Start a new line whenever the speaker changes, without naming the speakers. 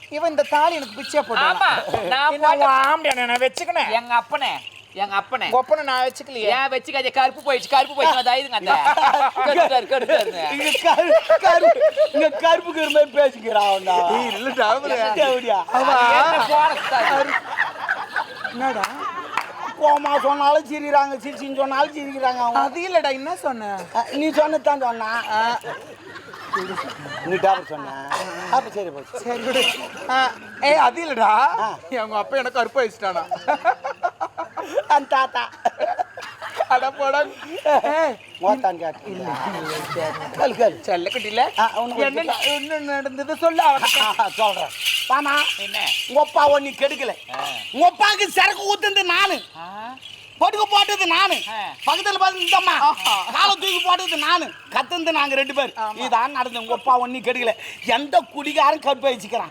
இவன் இந்த தாலி எனக்கு பிச்சை
ஆமா
போட்டான்.
நான்
நான் வச்சுக்கினேன்.
எங்க அப்பனே
கொப்பனை நான் வச்சுக்கலையே.
ஏன் வச்சுக்காதே கருப்பு போயிடுச்சு நான் தைதுங்க அந்த கெடுத்தாரு
இங்க கருப்புக்கு மாதிரி பேசிக்கிறான்டா.
இல்லடா என்னடா
கோமா சொன்னாலும் சிரிக்கிறாங்க, சிரிச்சின்னு சொன்னாலும் சிரிக்கிறாங்க அவங்க.
அது இல்லடா என்ன சொன்ன?
நீ சொன்னதான் சொன்னா நீ டாக்டர் சொன்ன. அப்ப சரி போச்சு.
சரி விடு. ஏய் அது இல்லடா, எங்க அப்பா எனக்கு கருப்பு வச்சுட்டானா.
அந்த தாத்தா
அட போடா.
மோத்தான் கேட்டு கல் கல்
செல்ல குட்டில என்ன நடந்தது சொல்லு.
சொல்றேன் பாமா.
என்ன
உங்க அப்பாவை நீ கெடுக்கல. உங்க அப்பாவுக்கு சரக்கு ஊத்துந்து நானு, படுக்க போட்டது நானு, பக்கத்துல பார்த்து இந்தம்மா காலை தூக்கி போட்டது நானு, கத்துந்து நாங்க 2 பேர். இதான் நடந்தது. உங்க அப்பா ஒன்னி கெடுக்கல. எந்த குடிகாரன் கருப்பை வச்சுக்கிறான்.